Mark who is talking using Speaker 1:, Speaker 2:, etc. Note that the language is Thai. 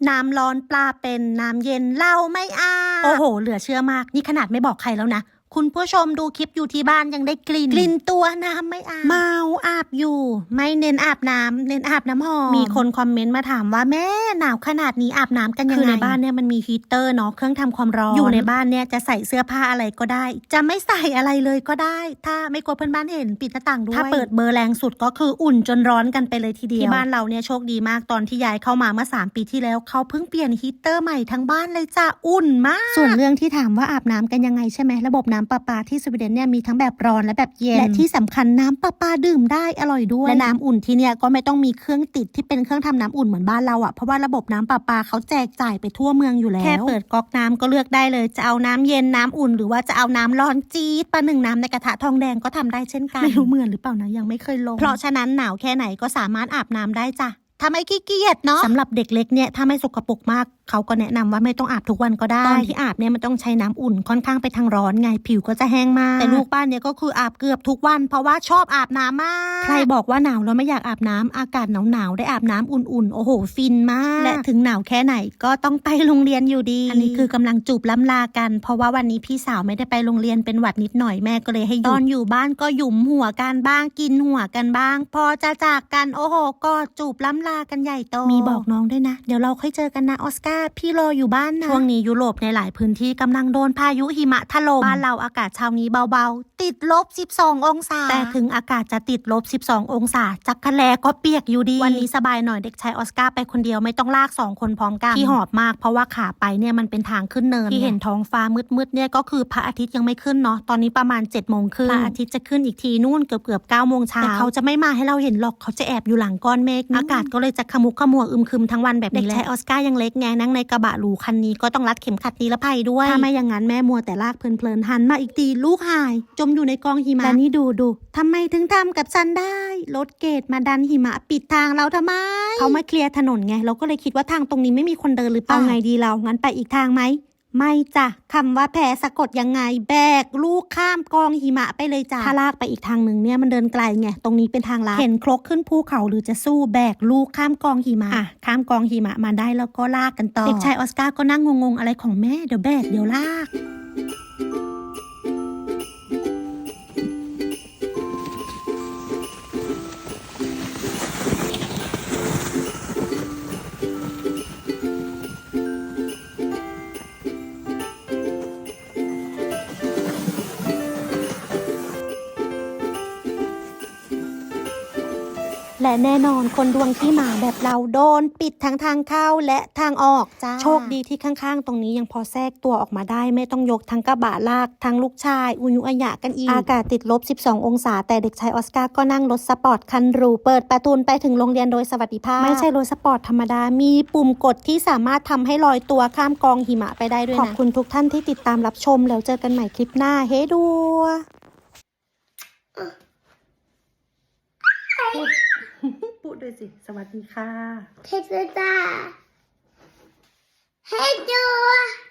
Speaker 1: น้ำร้อนปลาเป็นน้ำเย็นเหล้าไม่อาบโอ้โหเหลือเชื่อมากนี่ขนาดไม่บอกใครแล้วนะคุณผู้ชมดูคลิปอยู่ที่บ้านยังได้กลิ่นตัวน้ำไม่อาบเมาอาบอยู่ไม่เน้นอาบน้ำเน้นอาบน้ำหอมมีคนคอมเมนต์มาถามว่าแม่หนาวขนาดนี้อาบน้ำกันยังไงคือในบ้านเนี่ยมันมีฮีเตอร์เนาะเครื่องทำความร้อนอยู่ในบ้านเนี่ยจะใส่เสื้อผ้าอะไรก็ได้จะไม่ใส่อะไรเลยก็ได้ถ้าไม่กลัวเพื่อนบ้านเห็นปิดหน้าต่างด้วยถ้าเปิดเบอร์แรงสุดก็คืออุ่นจนร้อนกันไปเลยทีเดียวที่บ้านเราเนี่ยโชคดีมากตอนที่ย้ายเข้ามาเมื่อ3 ปีที่แล้วเขาเพิ่งเปลี่ยนฮีเตอร์ใหม่ทั้งบ้านเลยจ้ะอุ่นมากส่วนเรื่องที่ถามว่าอาบน้ำกันยังไงใช่ไหมระบบน้ำประปาที่สวีเดนเนี่ยมีทั้งแบบร้อนและแบบเย็นและที่สำคัญน้ำประปาดื่มได้อร่อยด้วยและน้ำอุ่นที่เนี่ยก็ไม่ต้องมีเครื่องติดที่เป็นเครื่องทำน้ำอุ่นเหมือนบ้านเราเพราะว่าระบบน้ำประปาเขาแจกจ่ายไปทั่วเมืองอยู่แล้วแค่เปิดก๊อกน้ำก็เลือกได้เลยจะเอาน้ำเย็นน้ำอุ่นหรือว่าจะเอาน้ำร้อนจี๊ดประหนึ่งน้ำในกระทะทองแดงก็ทำได้เช่นกันไม่รู้เหมือนหรือเปล่านะยังไม่เคยลงเพราะฉะนั้นหนาวแค่ไหนก็สามารถอาบน้ำได้จ้ะถ้าไม่ขี้เกียจเนาะสำหรับเด็กเล็กเนี่ยถ้าไม่สกปรกมากเขาก็แนะนำว่าไม่ต้องอาบทุกวันก็ได้ตอนที่อาบเนี่ยมันต้องใช้น้ำอุ่นค่อนข้างไปทางร้อนไงผิวก็จะแห้งมากแต่ลูกบ้านเนี่ยก็คืออาบเกือบทุกวันเพราะว่าชอบอาบน้ำมากใครบอกว่าหนาวแล้วไม่อยากอาบน้ำอากาศหนาวได้อาบน้ำอุ่นๆโอ้โหฟินมากและถึงหนาวแค่ไหนก็ต้องไปโรงเรียนอยู่ดีอันนี้คือกำลังจูบล้ำลากันเพราะว่าวันนี้พี่สาวไม่ได้ไปโรงเรียนเป็นหวัดนิดหน่อยแม่ก็เลยให้หยุดตอนอยู่บ้านก็หยุมหัวกันบ้างกินหัวกันบ้างพอจะจากกันโอ้โหก็จูบล้ำลากันใหญ่โตมีบอกน้องด้วยนะเดี๋ยวเราค่อยเจอกันนะออสการ์พี่รออยู่บ้านนะช่วงนี้ยุโรปในหลายพื้นที่กำลังโดนพายุหิมะถล่มบ้านเราอากาศเช้านี้เบาๆติดลบ12 องศาแต่ถึงอากาศจะติดลบ12 องศาจักรแลก็เปียกอยู่ดีวันนี้สบายหน่อยเด็กชายออสการ์ไปคนเดียวไม่ต้องลาก2 คนพร้อมกันที่หอบมากเพราะว่าขาไปเนี่ยมันเป็นทางขึ้นเนินที่เห็นท้องฟ้ามืดๆเนี่ยก็คือพระอาทิตย์ยังไม่ขึ้นเนาะตอนนี้ประมาณ7 โมงครึ่งพระอาทิตย์จะขึ้นอีกทีนู่นเกือบ9 โมงเช้าแต่เขาจะไม่มาให้เราเห็นหรอกเขาจะแอบอยู่หลังก้อนเมฆอากาศก็เลยจะขมุกขมัวอึมครึมทั้งวันแบบนี้แหละเด็กชายออสการ์ยังเล็กไงนั่งในกระบะหรูคันนี้ก็ต้องรัดเข็มขัดนิรภัยด้วยถ้าไม่อย่างนั้นแม่มัวแต่ลากเพลินๆหันมาอีกทีลูกหายจมอยู่ในกองหิมะและนี่ดูทำไมถึงทำกับฉันได้รถเกตมาดันหิมะปิดทางเราทำไมเขามาเคลียร์ถนนไงเราก็เลยคิดว่าทางตรงนี้ไม่มีคนเดินหรือเปล่าเอาไงดีเรางั้นไปอีกทางไหมไม่จ้ะคำว่าแพ้สะกดยังไงแบกลูกข้ามกองหิมะไปเลยจ้ะถ้าลากไปอีกทางหนึ่งเนี่ยมันเดินไกลไงตรงนี้เป็นทางลัดเห็นครกขึ้นภูเขาหรือจะสู้แบกลูกข้ามกองหิมะข้ามกองหิมะมาได้แล้วก็ลากกันต่อเด็กชายออสการ์ก็นั่งงงๆอะไรของแม่เดี๋ยวแบกเดี๋ยวลากและแน่นอนคนดวงขี้หมาแบบเราโดนปิดทั้งทางเข้าและทางออกจ้าโชคดีที่ข้างๆตรงนี้ยังพอแทรกตัวออกมาได้ไม่ต้องยกทั้งกระบะลากทั้งลูกชายอุยุอายะกันอีกอากาศติดลบ12 องศาแต่เด็กชายออสการ์ก็นั่งรถสปอร์ตคันหรูเปิดประตูไปถึงโรงเรียนโดยสวัสดิภาพไม่ใช่รถสปอร์ตธรรมดามีปุ่มกดที่สามารถทำให้ลอยตัวข้ามกองหิมะไปได้ด้วยนะขอบคุณทุกท่านที่ติดตามรับชมแล้วเจอกันใหม่คลิปหน้าเฮ้ดัวพูดด้วยสิสวัสดีค่ะ
Speaker 2: เฮดจ้าเฮดดู